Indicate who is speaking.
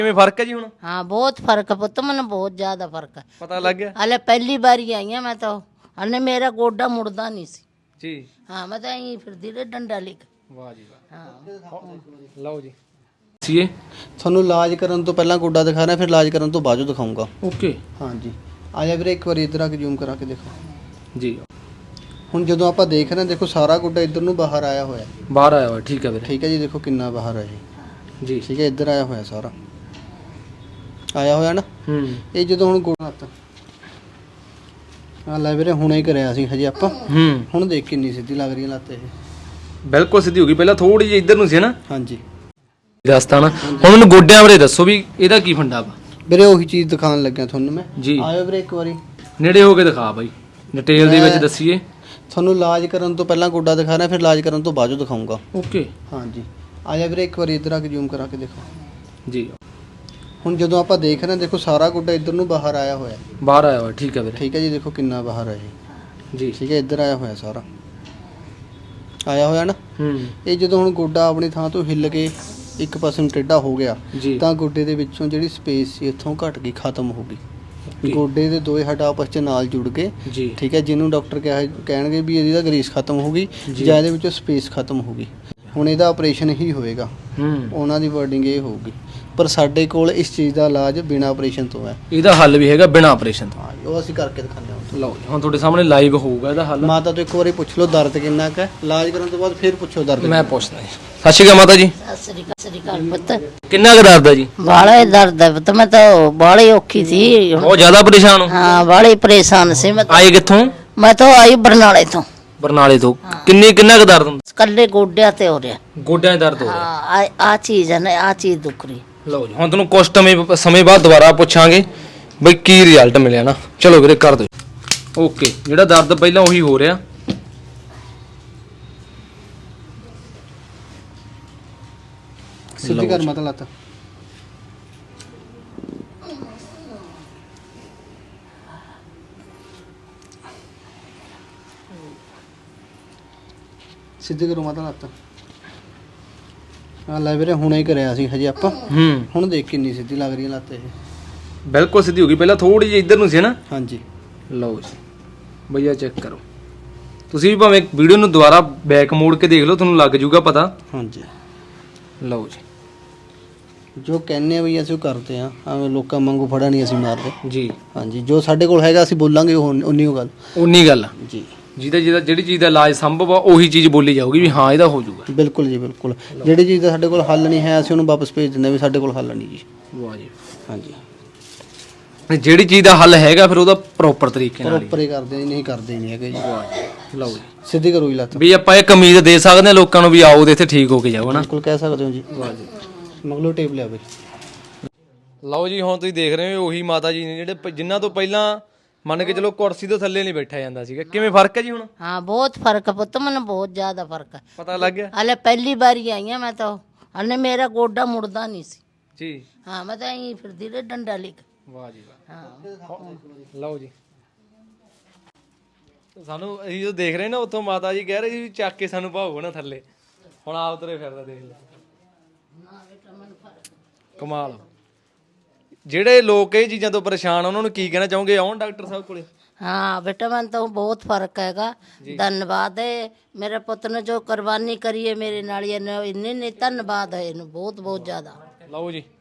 Speaker 1: ਕਿਵੇਂ ਫਰਕ ਹੈ ਜੀ ਹੁਣ?
Speaker 2: हाँ बहुत फर्क है पुत, मैंने बहुत ज्यादा फर्क है।
Speaker 1: ਪਤਾ ਲੱਗ ਗਿਆ
Speaker 2: हले पहली बार ही आई हूं मैं तो, हले मेरा गोडा मुड़दा नहीं सी।
Speaker 1: ਜੀ।
Speaker 2: हाँ मैं तो यहीं फिरदी रही डंडा लेके।
Speaker 1: ਵਾਹ ਜੀ ਵਾਹ।
Speaker 2: हाँ
Speaker 1: ਲਓ ਜੀ ਸੀਏ
Speaker 3: ਤੁਹਾਨੂੰ ਇਲਾਜ ਕਰਨ ਤੋਂ ਪਹਿਲਾਂ ਗੋਡਾ ਦਿਖਾ ਰਿਹਾ, ਫਿਰ ਇਲਾਜ ਕਰਨ ਤੋਂ ਬਾਅਦ ਦਿਖਾਉਂਗਾ।
Speaker 1: ਓਕੇ
Speaker 3: ਹਾਂਜੀ ਆ ਜਾ ਵੀਰੇ, ਇੱਕ ਵਾਰੀ ਇੱਧਰ ਆ ਕੇ ਜ਼ੂਮ ਕਰਾ ਕੇ ਦੇਖੋ।
Speaker 1: ਜੀ।
Speaker 3: ਹੁਣ ਜਦੋਂ ਆਪਾਂ ਦੇਖ ਰਹੇ ਹਾਂ, ਦੇਖੋ ਸਾਰਾ ਗੋਡਾ ਇੱਧਰ ਨੂੰ ਬਾਹਰ ਆਇਆ ਹੋਇਆ।
Speaker 1: ਬਾਹਰ ਆਇਆ ਹੋਇਆ, ਠੀਕ ਹੈ ਵੀਰੇ।
Speaker 3: ਠੀਕ ਹੈ ਜੀ, ਦੇਖੋ ਕਿੰਨਾ ਬਾਹਰ ਆ ਜੀ।
Speaker 1: ਜੀ
Speaker 3: ਠੀਕ ਹੈ, ਇੱਧਰ ਆਇਆ ਹੋਇਆ ਸਾਰਾ ਆਇਆ ਹੋਇਆ ਨਾ।
Speaker 1: ਹੂੰ
Speaker 3: ਇਹ ਜਦੋਂ ਹੁਣ ਗੋਡਾ ਹੱਥ ਆ ਲੈ ਵੀਰੇ, ਹੁਣੇ ਹੀ ਕਰਿਆ ਸੀ ਹਜੇ ਆਪਾਂ।
Speaker 1: ਹੂੰ
Speaker 3: ਹੁਣ ਦੇਖ ਕਿੰਨੀ ਸਿੱਧੀ ਲੱਗ ਰਹੀ ਹੈ ਲੱਤ ਇਹ।
Speaker 1: ਬਿਲਕੁਲ ਸਿੱਧੀ ਹੋ ਗਈ, ਪਹਿਲਾਂ ਥੋੜੀ ਜਿਹੀ ਇੱਧਰ ਨੂੰ ਸੀ ਨਾ।
Speaker 3: ਹਾਂਜੀ
Speaker 1: ਦੱਸਤਾ ਨਾ। ਹੁਣ ਮੈਨੂੰ ਗੋਡਿਆਂ ਬਾਰੇ ਦੱਸੋ ਵੀ ਇਹਦਾ ਕੀ ਫੰਡਾ ਵਾ।
Speaker 3: ਵੀਰੇ ਉਹੀ ਚੀਜ਼ ਦਿਖਾਉਣ ਲੱਗਿਆ ਤੁਹਾਨੂੰ ਮੈਂ।
Speaker 1: ਜੀ।
Speaker 3: ਆਇਓ ਵੀਰੇ ਇੱਕ ਵਾਰੀ,
Speaker 1: ਨੇੜੇ ਹੋ ਕੇ ਦਿਖਾ ਬਾਈ, ਡਿਟੇਲ ਦੇ ਵਿੱਚ ਦੱਸੀਏ।
Speaker 3: ਤੁਹਾਨੂੰ ਇਲਾਜ ਕਰਨ ਤੋਂ ਪਹਿਲਾਂ ਗੋਡਾ ਦਿਖਾ ਰਿਹਾ, ਫਿਰ ਇਲਾਜ ਕਰਨ ਤੋਂ ਬਾਅਦ ਦਿਖਾਉਂਗਾ।
Speaker 1: ਓਕੇ
Speaker 3: ਹਾਂਜੀ ਆ ਜਾ ਵੀਰੇ, ਇੱਕ ਵਾਰੀ ਇੱਧਰ ਆ ਕੇ ਜ਼ੂਮ ਕਰਾ ਕੇ ਦੇਖੋ।
Speaker 1: ਜੀ।
Speaker 3: ਹੁਣ ਜਦੋਂ ਆਪਾਂ ਦੇਖ ਰਹੇ ਹਾਂ, ਦੇਖੋ ਸਾਰਾ ਗੋਡਾ ਇੱਧਰ ਨੂੰ ਬਾਹਰ ਆਇਆ ਹੋਇਆ।
Speaker 1: ਬਾਹਰ ਆਇਆ ਹੋਇਆ, ਠੀਕ ਹੈ ਵੀਰੇ।
Speaker 3: ਠੀਕ ਹੈ ਜੀ, ਦੇਖੋ ਕਿੰਨਾ ਬਾਹਰ ਆ ਜੀ।
Speaker 1: ਜੀ
Speaker 3: ਠੀਕ ਹੈ, ਇੱਧਰ ਆਇਆ ਹੋਇਆ ਸਾਰਾ ਆਇਆ ਹੋਇਆ ਨਾ।
Speaker 1: ਹੂੰ
Speaker 3: ਇਹ ਜਦੋਂ ਹੁਣ ਗੋਡਾ ਆਪਣੀ ਥਾਂ ਤੋਂ ਹਿੱਲ ਕੇ ਇੱਕ ਪਾਸੇ ਨੂੰ ਟੇਢਾ ਹੋ ਗਿਆ,
Speaker 1: ਜੀ
Speaker 3: ਤਾਂ ਗੋਡੇ ਦੇ ਵਿੱਚੋਂ ਜਿਹੜੀ ਸਪੇਸ ਸੀ ਇੱਥੋਂ ਘਟ ਗਈ, ਖਤਮ ਹੋ ਗਈ।
Speaker 1: Okay.
Speaker 3: ਗੋਡੇ ਦੇ ਦੋਏ ਹੱਡ ਆਪਸ 'ਚ ਨਾਲ ਜੁੜ ਗਏ।
Speaker 1: ਜੀ
Speaker 3: ਠੀਕ ਹੈ, ਜਿਹਨੂੰ ਡਾਕਟਰ ਕਹਿਣਗੇ ਵੀ ਇਹਦੀ ਤਾਂ ਗਰੀਸ ਖਤਮ ਹੋ ਗਈ
Speaker 1: ਜੀ।
Speaker 3: ਜਾਂ ਇਹਦੇ ਵਿੱਚੋਂ ਸਪੇਸ ਖਤਮ ਹੋ ਗਈ। ਹੁਣ ਇਹਦਾ ਆਪਰੇਸ਼ਨ ਹੀ ਹੋਏਗਾ,
Speaker 1: ਹੂੰ
Speaker 3: ਉਹਨਾਂ ਦੀ ਵਰਡਿੰਗ ਇਹ ਹੋਊਗੀ। ਪਰ ਸਾਡੇ ਕੋਲ ਇਸ ਚੀਜ਼ ਦਾ ਇਲਾਜ ਬਿਨਾਂ ਆਪਰੇਸ਼ਨ ਤੋਂ ਹੈ।
Speaker 1: ਇਹਦਾ ਹੱਲ ਵੀ ਹੈਗਾ ਬਿਨਾਂ ਆਪਰੇਸ਼ਨ ਤੋਂ।
Speaker 3: ਹਾਂ, ਉਹ ਅਸੀਂ ਕਰਕੇ ਦਿਖਾਉਂਦੇ ਹਾਂ।
Speaker 1: ਲਓ ਜੀ, ਹੁਣ ਤੁਹਾਡੇ ਸਾਹਮਣੇ ਲਾਈਵ ਹੋਊਗਾ ਇਹਦਾ ਹੱਲ।
Speaker 3: ਮਾਤਾ ਤੋਂ ਇੱਕ ਵਾਰੀ ਪੁੱਛ ਲਓ ਦਰਦ ਕਿੰਨਾ ਕੁ ਹੈ, ਇਲਾਜ ਕਰਨ ਤੋਂ ਬਾਅਦ ਫਿਰ ਪੁੱਛੋ ਦਰਦ
Speaker 1: ਮੈਂ ਪੁੱਛਦਾ ਜੀ। ਸਤਿ ਸ਼੍ਰੀ ਅਕਾਲ ਮਾਤਾ ਜੀ।
Speaker 2: सत श्री अकाल पुत।
Speaker 1: ਕਿੰਨਾ ਕੁ ਦਰਦ ਹੈ ਜੀ?
Speaker 2: बाले दर्द है पुत, मैं तो बाली औखी थी।
Speaker 1: ਬਹੁਤ ਜ਼ਿਆਦਾ ਪਰੇਸ਼ਾਨ ਹੋ?
Speaker 2: हाँ बाली परेशान से मैं
Speaker 1: ਆਏ ਕਿੱਥੋਂ?
Speaker 2: मैं तो आई बरनाले तो।
Speaker 1: ਬਰਨਾਲੇ ਤੋਂ। ਕਿੰਨਾ ਕੁ ਦਰਦ ਹੁੰਦਾ?
Speaker 2: कल्ले गोड्या ते हो रहा।
Speaker 1: ਗੋਡਿਆਂ 'ਚ ਦਰਦ ਹੋ ਰਿਹਾ।
Speaker 2: हाँ आ चीज है ना, आ चीज दुख रही।
Speaker 1: ਲਓ ਜੀ, ਹੁਣ ਤੁਹਾਨੂੰ ਕੁਝ ਸਮੇਂ ਬਾਅਦ ਦੁਬਾਰਾ ਪੁੱਛਾਂਗੇ ਬਈ ਕੀ ਰਿਜ਼ਲਟ ਮਿਲਿਆ ਨਾ। ਚਲੋ ਵੀਰੇ ਕਰ ਦਿਓ। ਓਕੇ, ਜਿਹੜਾ ਦਰਦ ਪਹਿਲਾਂ ਉਹੀ ਹੋ ਰਿਹਾ।
Speaker 3: ਸਿੱਧੀ ਕਰ ਮਾਤਾ ਲੱਤ। ਸਿੱਧੀ ਕਰੋ ਮਾਤਾ ਲੱਤ। ਆ ਲੈ ਵੀਰੇ, ਹੁਣੇ ਹੀ ਕਰਿਆ ਸੀ ਹਜੇ ਆਪਾਂ।
Speaker 1: ਹੂੰ
Speaker 3: ਹੁਣ ਦੇਖ ਕਿੰਨੀ ਸਿੱਧੀ ਲੱਗ ਰਹੀ ਹੈ ਲੱਤ ਇਹ।
Speaker 1: ਬਿਲਕੁਲ ਸਿੱਧੀ ਹੋ ਗਈ, ਪਹਿਲਾਂ ਥੋੜੀ ਜਿਹੀ ਇੱਧਰ ਨੂੰ ਸੀ ਨਾ।
Speaker 3: ਹਾਂਜੀ
Speaker 1: ਲਓ ਜੀ ਭਈਆ, ਚੈੱਕ ਕਰੋ। ਤੁਸੀਂ ਵੀ ਭਾਵੇਂ ਵੀਡੀਓ ਨੂੰ ਦੁਬਾਰਾ ਬੈਕ ਮੋੜ ਕੇ ਦੇਖ ਲਓ, ਤੁਹਾਨੂੰ ਲੱਗ ਜਾਊਗਾ ਪਤਾ।
Speaker 3: ਹਾਂਜੀ,
Speaker 1: ਲਓ ਜੀ।
Speaker 3: ਜੋ ਕਹਿੰਦੇ ਆ ਵੀ ਅਸੀਂ ਉਹ ਕਰਦੇ ਆ, ਐਵੇਂ ਲੋਕਾਂ ਵਾਂਗੂ ਫੜਾ ਨਹੀਂ ਅਸੀਂ ਮਾਰਦੇ।
Speaker 1: ਜੀ
Speaker 3: ਹਾਂਜੀ, ਜੋ ਸਾਡੇ ਕੋਲ ਹੈਗਾ ਅਸੀਂ ਬੋਲਾਂਗੇ, ਉਨੀ ਉਹ ਗੱਲ।
Speaker 1: ਉਨੀ ਗੱਲ ਆ।
Speaker 3: ਜੀ
Speaker 1: ਜਿਹੜੀ ਚੀਜ਼ ਦਾ ਇਲਾਜ ਸੰਭਵ ਆ ਉਹੀ ਚੀਜ਼ ਬੋਲੀ ਜਾਊਗੀ ਵੀ ਹਾਂ ਇਹਦਾ ਹੋ ਜਾਊਗਾ।
Speaker 3: ਬਿਲਕੁਲ ਜੀ, ਬਿਲਕੁਲ। ਜਿਹੜੀ ਚੀਜ਼ ਦਾ ਸਾਡੇ ਕੋਲ ਹੱਲ ਨਹੀਂ ਹੈ, ਅਸੀਂ ਉਹਨੂੰ ਵਾਪਸ ਭੇਜ ਦਿੰਦੇ ਵੀ ਸਾਡੇ ਕੋਲ ਹੱਲ ਨਹੀਂ ਜੀ।
Speaker 1: ਵਾਹ ਜੀ।
Speaker 3: ਹਾਂਜੀ,
Speaker 1: ਜਿਹੜੀ ਚੀਜ਼ ਦਾ ਹੱਲ ਹੈਗਾ ਫਿਰ ਉਹਦਾ ਪ੍ਰੋਪਰ ਤਰੀਕੇ ਨਾਲ
Speaker 3: ਪ੍ਰੋਪਰ ਹੀ ਕਰਦੇ ਜੀ, ਨਹੀਂ ਕਰਦੇ ਨਹੀਂ ਹੈਗੇ ਜੀ।
Speaker 1: ਵਾਹ ਜੀ। ਲਓ ਜੀ,
Speaker 3: ਸਿੱਧੀ ਕਰੋ ਜੀ ਲੱਤ।
Speaker 1: ਵੀ ਆਪਾਂ ਇੱਕ ਉਮੀਦ ਦੇ ਸਕਦੇ ਹਾਂ ਲੋਕਾਂ ਨੂੰ ਵੀ ਆਓ ਤੇ ਇੱਥੇ ਠੀਕ ਹੋ ਕੇ ਜਾਓ ਨਾ।
Speaker 3: ਬਿਲਕੁਲ ਕਹਿ ਸਕਦੇ ਹੋ ਜੀ।
Speaker 1: ਵਾਹ ਜੀ।
Speaker 3: ਮਗਲੋ ਟੇਪ ਲਿਆ ਬਈ।
Speaker 1: ਲਓ ਜੀ, ਹੁਣ ਤੁਸੀਂ ਦੇਖ ਰਹੇ ਹੋ ਉਹੀ ਮਾਤਾ ਜੀ ਨੇ ਜਿਹੜੇ ਜਿਨ੍ਹਾਂ ਤੋਂ ਪਹਿਲਾਂ ਮੰਨ ਕੇ ਚਲੋ ਕੁਰਸੀ ਤੋਂ ਥੱਲੇ ਨਹੀਂ ਬੈਠਾ ਜਾਂਦਾ ਸੀਗਾ। ਕਿਵੇਂ ਫਰਕ ਹੈ ਜੀ ਹੁਣ?
Speaker 2: हाँ बहुत फर्क है पुत, मैंने बहुत ज्यादा फर्क है।
Speaker 1: ਪਤਾ ਲੱਗ ਗਿਆ
Speaker 2: हले पहली बार ही आई हूं मैं तो, हले मेरा गोडा मुड़दा नहीं सी।
Speaker 1: ਜੀ।
Speaker 2: हाँ मैं तो यहीं फिरदी रही डंडा लेके।
Speaker 1: ਵਾਹ ਜੀ ਵਾਹ।
Speaker 2: हाँ
Speaker 1: ਲਓ ਜੀ, ਸਾਨੂੰ ਅਸੀਂ ਜੋ ਦੇਖ ਰਹੇ ਨਾ ਉੱਥੋਂ ਮਾਤਾ ਜੀ ਕਹਿ ਰਹੇ ਸੀ ਵੀ ਚੱਕ ਕੇ ਸਾਨੂੰ ਭਾਉ ਨਾ ਥੱਲੇ। ਹੁਣ ਆਪ ਤੁਰੇ ਫਿਰਦਾ ਦੇਖ ਲੈ, ਕਮਾਲ। ਜਿਹੜੇ ਲੋਕ ਇਹ ਚੀਜ਼ਾਂ ਤੋਂ ਪਰੇਸ਼ਾਨ ਉਹਨਾਂ ਨੂੰ ਕੀ ਕਹਿਣਾ ਚਾਹੋਗੇ? ਆਉਣ ਡਾਕਟਰ ਸਾਹਿਬ ਕੋਲੇ।
Speaker 2: हाँ बेटा मैंने तो बहुत फर्क हैगा। धन्यवाद है मेरे पुत ने जो कुर्बानी करी है मेरे नाल, इन्ने धन्यवाद है इन्हू बहुत बहुत ज्यादा।
Speaker 1: ਲਓ ਜੀ।